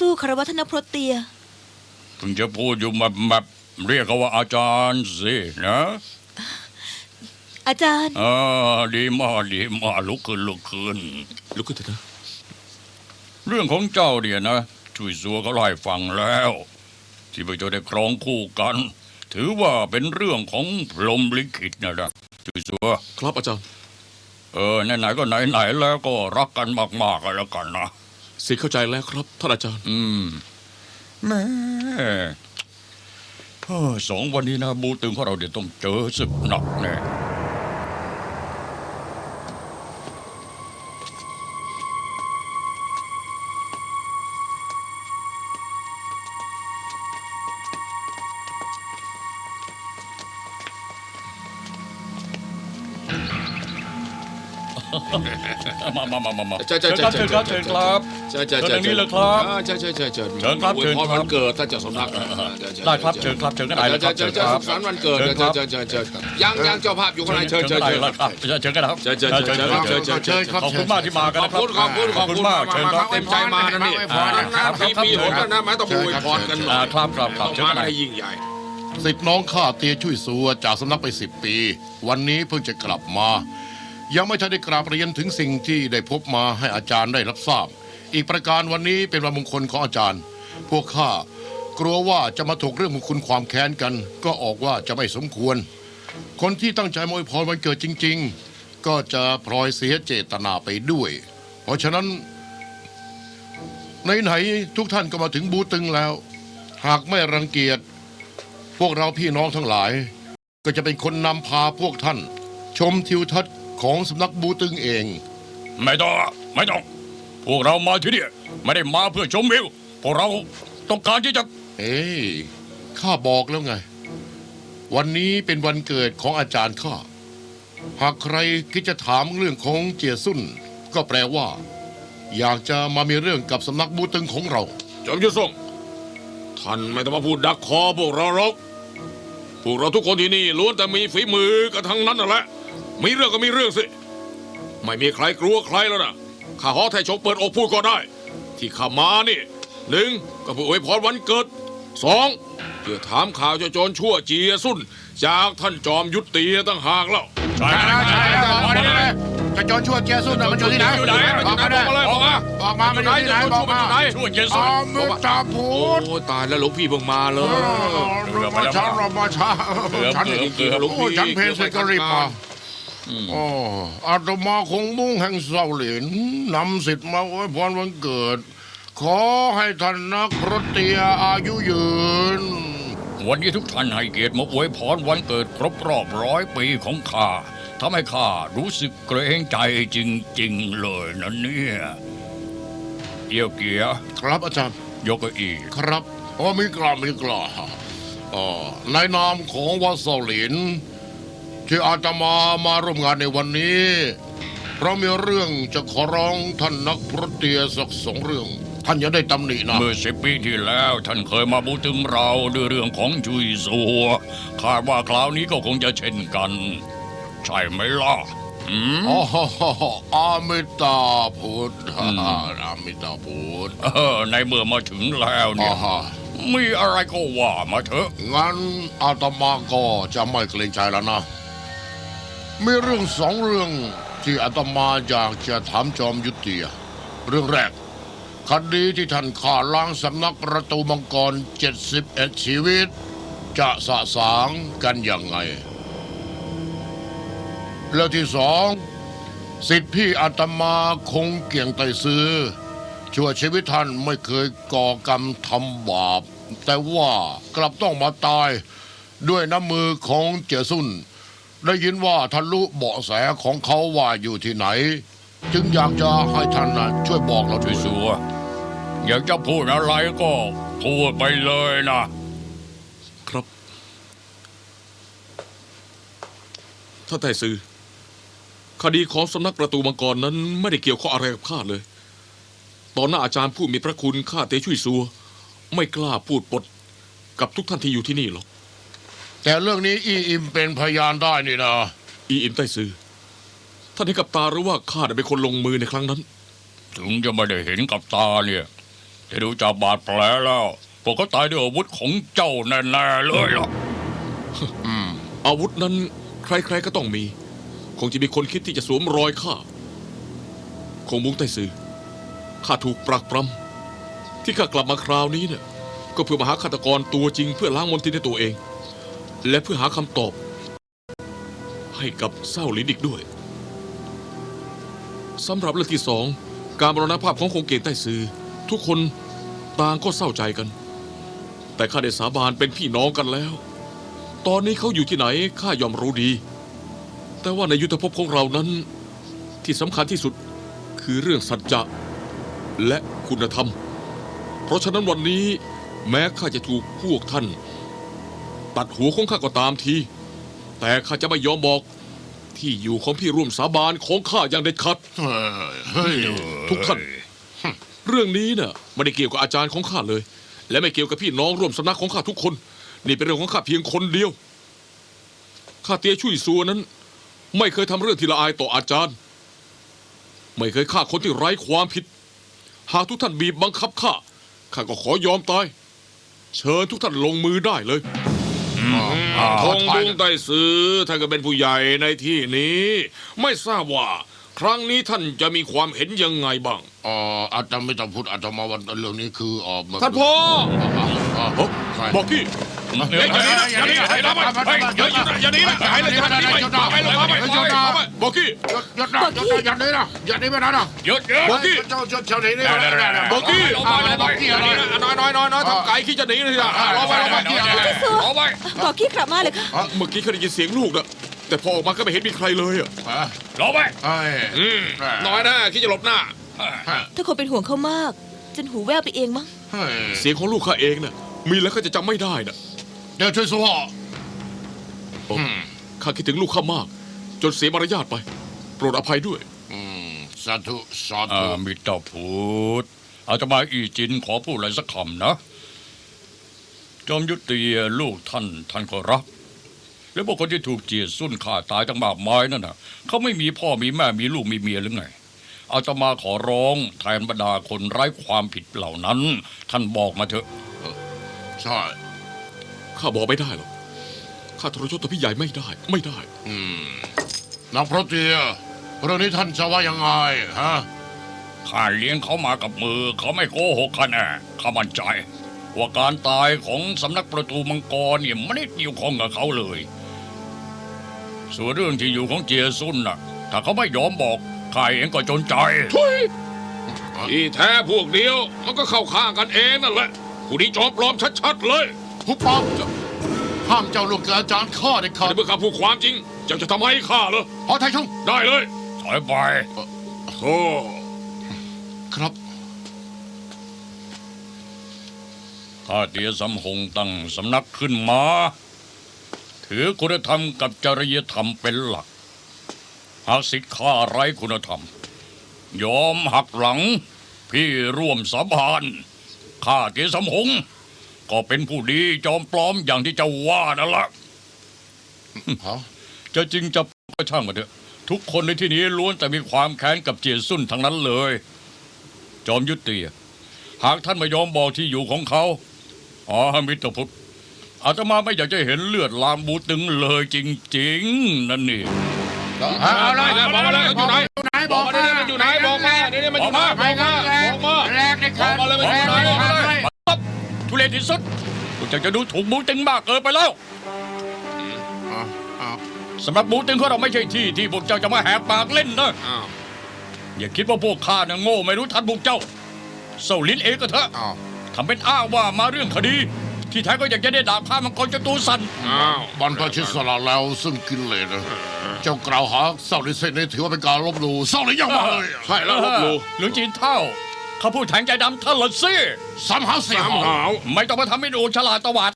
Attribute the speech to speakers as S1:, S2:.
S1: สู้คารวะท่านนพรตเตีย
S2: เพิ่งจะพูดอยู่แบบเรียกเขาว่าอาจารย์สินะ
S1: อาจารย์
S2: ดีมากดีมากลุกขึ้นเถอะนะเรื่องของเจ้าเนี่ยนะช่วยซัวเขาไล่ฟังแล้ว ที่พวกเจ้าได้ครองคู่กัน ถือว่าเป็นเรื่องของพรหมลิขิตนะช่วยซัว
S3: ครับอาจารย์
S2: ไหนๆก็ไหนแล้วก็รักกันมากๆกันแล้วกันนะ
S3: สิเข้าใจแล้วครับท่านอาจารย์
S2: แม่2 วันนี้นะบูตึงของเราเดี๋ยวต้องเจอศึกหนักแน่มา
S3: เชิญครับเชิญครับเชิญ
S2: นี้เลยครับ
S3: เชิญ
S2: ครับเชิญ
S3: วันเกิดท่านเจ้าสำนัก
S2: ได้ครับเชิญครับเชิญกันไหนเลยครับ
S3: เชิญสุขสันต์วันเกิดเชิญยังเจ้าภาพอยู่ข้างในเชิญ
S2: เชิญกันครับ
S3: เชิญ
S2: ขอบคุณมากที่มากันนะครับ
S3: ขอบคุณมากเชิญครับเต็มใจมานะนี่มีหนนะไม่ต้องอวยพรกัน
S2: ครับ
S3: เชิญกันให้ยิ่งใหญ่
S4: สิทธิ์น้องข้าเตียช่วยซัวจากสำนักไป10 ปีวันนี้เพิ่งจะกลับมายังไม่ทันได้กราบเรียนถึงสิ่งที่ได้พบมาให้อาจารย์ได้รับทราบอีกประการวันนี้เป็นวันมงคลของอาจารย์พวกข้ากลัวว่าจะมาถกเรื่องมงคลความแค้นกันก็ออกว่าจะไม่สมควรคนที่ตั้งใจมาอวยพรวันเกิดจริงๆก็จะพลอยเสียเจตนาไปด้วยเพราะฉะนั้นไหนๆทุกท่านก็มาถึงบูตึงแล้วหากไม่รังเกียจพวกเราพี่น้องทั้งหลายก็จะเป็นคนนำพาพวกท่านชมทิวทัศน์ของสำนักบูตึงเอง
S2: ไม่ต้องพวกเรามาที่นี่ไม่ได้มาเพื่อชมวิวพวกเราต้องการที่จะ
S4: ข้าบอกแล้วไงวันนี้เป็นวันเกิดของอาจารย์ข้าหากใครคิดจะถามเรื่องของเจียซุ่นก็แปลว่าอยากจะมามีเรื่องกับสำนักบูตึงของเรา
S3: จอมยุทธส่งท่านไม่ต้องมาพูดดักคอพวกเราหรอกพวกเราทุกคนที่นี่ล้วนแต่มีฝีมือกันทั้งนั้นนั่นแหละมีเรื่องก็มีเรื่องสิไม่มีใครกลัวใครแล้วนะข้าขอไทยชงเปิดอกพูดก็ได้ที่ข้ามานี่1ก็เพื่ออวยพรวันเกิด2เพื่อถามข่าวโจรชั่วเจียซุ่นจากท่านจอมยุทธเตียตั้งหากแล้ว
S4: ใช่จะโจรชั่วเจียซุ่นมันอยู่ที่ไหนบอกมามันอยู่ที่ไหนบอกมา
S2: ชั่วเจียซุ่น
S4: มิตาพูด
S3: โอ้ตายแล้วหลวงพี่เพิ่งมาเลย
S4: มาช้าฉันเพลเสร็จก็รีบมาอาตมาคงมุ่งแห่งเสาหลินนำสิทธิ์มาอวยพรวันเกิดขอให้ท่านนักพรตเตียอายุยืน
S2: วันนี้ทุกท่านให้เกียรติมาอวยพรวันเกิดครบรอบ100 ปีของข้าทำให้ข้ารู้สึกเกรงใจจริงๆเลยนะเนี่ยเกียร์
S4: ครับอาจารย์
S2: ยกอี
S4: ครับมีกล้าในนามของวัดเสาหลินที่อาตมาร่วมงานในวันนี้เพราะมีเรื่องจะขอร้องท่านนักพรตเตียสัก2 เรื่องท่านอย่าได้ตำหนินะ
S2: เมื่อ10 ปีที่แล้วท่านเคยมาบูตึงเราด้วยเรื่องของจุยซัวคาดว่าคราวนี้ก็คงจะเช่นกันใช่ไหมล่ะ
S4: อามิตาพุทธอามิตาพุทธ
S2: ในเมื่อมาถึงแล้วเนี่ยมีอะไรก็ว่ามาเถอะ
S4: งั้นอาตมาก็จะไม่เกรงใจแล้วนะมีเรื่อง2 เรื่องที่อาตมาอยากจะถามจอมยุทธเตียเรื่องแรกคดีที่ท่านฆ่าล้างสำนักประตูมังกร71 ชีวิตจะสะสางกันยังไงแล้วที่2สิทธิพี่อาตมาคงเกี่ยงไตซื้อชั่วชีวิตท่านไม่เคยก่อกรรมทำบาปแต่ว่ากลับต้องมาตายด้วยน้ำมือของเจียซุ่นได้ยินว่าท่านรู้เบาะแสของเขาว่าอยู่ที่ไหนจึงอยากจะให้ท่านช่วยบอกเรา
S2: ด้วยสัวอยากจะพูดอะไรก็พูดไปเลยนะครับ
S3: ท่านไต่ซือคดีของสำนักประตูมังกรนั้นไม่ได้เกี่ยวข้องอะไรกับข้าเลยตอนหน้าอาจารย์ผู้มีพระคุณข้าเตช่วยซัวไม่กล้าพูดปดกับทุกท่านที่อยู่ที่นี่หรอก
S4: แต่เรื่องนี้อีอิมเป็นพยานได้นี่นะ
S3: อีอิมไต้ซือท่านเห็นกับตาหรือว่าข้าได้เป็นคนลงมือในครั้งนั้น
S2: ถึงจะไม่ได้เห็นกับตาเนี่ยแต่ดูจากบาดแผลแล้วพวกเขาตายด้วยอาวุธของเจ้าแน่ๆเลยล่ะ
S3: อาวุธนั้นใครๆก็ต้องมี คงจะมีคนคิดที่จะสวมรอยข้าคงมุ้งไต้ซือข้าถูกปรักปรำที่ข้ากลับมาคราวนี้เนี่ยก็เพื่อมาหาฆาตกรตัวจริงเพื่อล้างมลทินในตัวเอง และเพื่อหาคำตอบ ให้กับเศร้าลินอีกด้วยสำหรับเรื่องที่สองการมรณภาพของคงเกตไต้ซือทุกคนต่างก็เศร้าใจกัน แต่ข้าได้สาบานเป็นพี่น้องกันแล้ว ตอนนี้เขาอยู่ที่ไหนข้ายอมรู้ดี แต่ว่าในยุทธภพของเรานั้น ที่สำคัญที่สุดคือเรื่องสัจจะและคุณธรรม เพราะฉะนั้นวันนี้แม้ข้าจะถูกพวกท่าน ตัดหัวของข้าก็ตามที แต่ข้าจะไม่ยอมบอกที่อยู่ของพี่ร่วมสาบานของข้าอย่างเด็ดขาด
S4: เฮ้ย
S3: ทุกท่าน เรื่องนี้น่ะไม่ได้เกี่ยวกับอาจารย์ของข้าเลย และไม่เกี่ยวกับพี่น้องร่วมสำนักของข้าทุกคน นี่เป็นเรื่องของข้าเพียงคนเดียวข้าเตี้ยชุยซัวนั้น ไม่เคยทำเรื่องที่ละอายต่ออาจารย์ ไม่เคยฆ่าคนที่ไร้ความผิด หากทุกท่านบีบบังคับข้าก็ขอยอมตาย เชิญทุกท่านลงมือได้เลยทงบุงไต้ซือท่านก็เป็นผู้ใหญ่ในที่นี้ ไม่ทราบว่า ครั้งนี้ท่านจะมีความเห็นยังไงบ้าง
S4: อาจจะไม่ต้องพูดอาจจะมาวันเรื่องนี้คือมา
S3: ท่านพ่อ
S4: ใคร
S3: บอกกี้ อย่าหนีนะอย่าหนีนะหายเลยท่านนี่ไปไปเลยไปบอกกี้
S4: หยุดนะหยุดนะอย่าหนีนะอย่าหนีไปนะ
S2: หยุด
S3: บอกกี้
S4: เจ้าหนีนี่
S3: บอกกี้
S4: อะไรบอกกี้อะไร
S3: น้อยทำไก่ขี้จะหนีเลยนะรอไป
S2: เอาไว้
S1: บอกกี้กลับมาเลยค่ะ
S3: เมื่อกี้เขาได้ยินเสียงลูกนะแต่พอออกมาก็ไม่เห็นมีใครเลยอ่ะ
S2: รอไว้
S3: น้อยนะคิดจะหลบหน้า
S1: ถ้าคนเป็นห่วงเขามาก จนหูแว่วไปเองมั้ง
S3: เสียงของลูกข้าเองน่ะมีแล้วก็จะจำไม่ได้น่ะ
S4: เดี๋ยวช่วยสู้
S3: ข้าคิดถึงลูกข้ามาก จนเสียมารยาทไป โปรดอภัยด้วย
S4: สาธุสาธุ
S2: มิตรพูดอาตมาอีจินขอพูดอะไรสักคำนะ จอมยุติลูกท่านก็รัก และพวกคนที่ถูกเจียสุ่นฆ่าตายตั้งมากมายนั่นน่ะเขาไม่มีพ่อมีแม่มีลูกมีเมียหรือไงอาตมาขอร้องแทนบรรดาคนไร้ความผิดเหล่านั้น ท่านบอกมาเถอะ
S4: ใช่
S3: ข้าบอกไม่ได้หรอก ข้าทรยศต่อพี่ใหญ่ไม่ได้ ไม่ได้
S4: นักพระเตียเรื่องนี้ท่านจะว่ายังไงฮะ
S2: ข้าเลี้ยงเขามากับมือเขาไม่โกหกข้าแน่ข้ามั่นใจ ว่าการตายของสำนักประตูมังกรเนี่ยไม่ได้เกี่ยวข้องกับเขาเลย ส่วนเรื่องที่อยู่ของเจียซุนน่ะ ถ้าเขาไม่ยอมบอกข้าเองก็จนใจ
S3: ที่แท้พวกเดียวมันก็เข้าข้างกันเองนั่นแหละผู้นี้จอมปลอมชัดๆเลย
S4: หุบปากห้ามเจ้าลูกกับอาจารย์ข้าเด็ดขาด
S3: แต่เมื่อข้าพูดความจริงเจ้าจะทำให้ข้าเหรอ
S4: พอไทยชง
S3: ได้เลย
S2: ถอยไป
S3: โอ้
S4: ครับ
S2: ข้าเตียสำหงตั้งสำนักขึ้นมา ถือคุณธรรมกับจริยธรรมเป็นหลัก หากสิทธิ์ข้าไร้คุณธรรม ยอมหักหลัง พี่ร่วมสาบานข้าเตียสำหงก็เป็นผู้ดีจอมปลอมอย่างที่เจ้าว่านั่นละ
S4: ฮะ
S2: จะจริงจะก็ช่างมาเถอะทุกคนในที่นี้ล้วนแต่มีความแค้นกับเจียซุ่นทั้งนั้นเลย จอมยุติหากท่านไม่ยอมบอกที่อยู่ของเขามิตรพุทธอาตมาไม่อยากจะเห็นเลือดลามบูตึงเลยจริงๆนั่นนี่
S3: เอาเลยบอกมาเลยอยู่ไหนบอกมาเลยมันอยู่ไหนบอกมาเนี่ยมันอยู่ไหนบอกมา
S4: แรกเลยครับ
S3: บอกมาเลยมันอยู่ไหนบอกมาเลย
S2: ทุเรศที่สุดพวกเจ้าจะดูถูกบูตึงมากเกินไปแล้วสำหรับบูตึงของเราไม่ใช่ที่พวกเจ้าจะมาแหกปากเล่นนะอย่าคิดว่าพวกข้าน่ะโง่ไม่รู้ทันพวกเจ้าเศร้าลิ้นเองก็เถอะทำเป็นอ้างว่ามาเรื่องคดี ที่แท้ก็อยากจะได้ดาบข้ามังกรจนตัวสั่น
S4: บรรพชิตสละแล้วซึ่งกินเลยนะเจ้ากล่าวหาเศร้าลิเซนนี่ถือว่าเป็นการลบหลู่เศร้าลิยังมาเลย
S3: ใช่แล้วลบหลู่
S2: หลวงจีนเท่าเขาพูดแทงใจดำท่านละสิ
S4: สามหาสี่
S3: สามหาว
S2: ไม่ต้องมาทำให้ดูฉลาดตวาด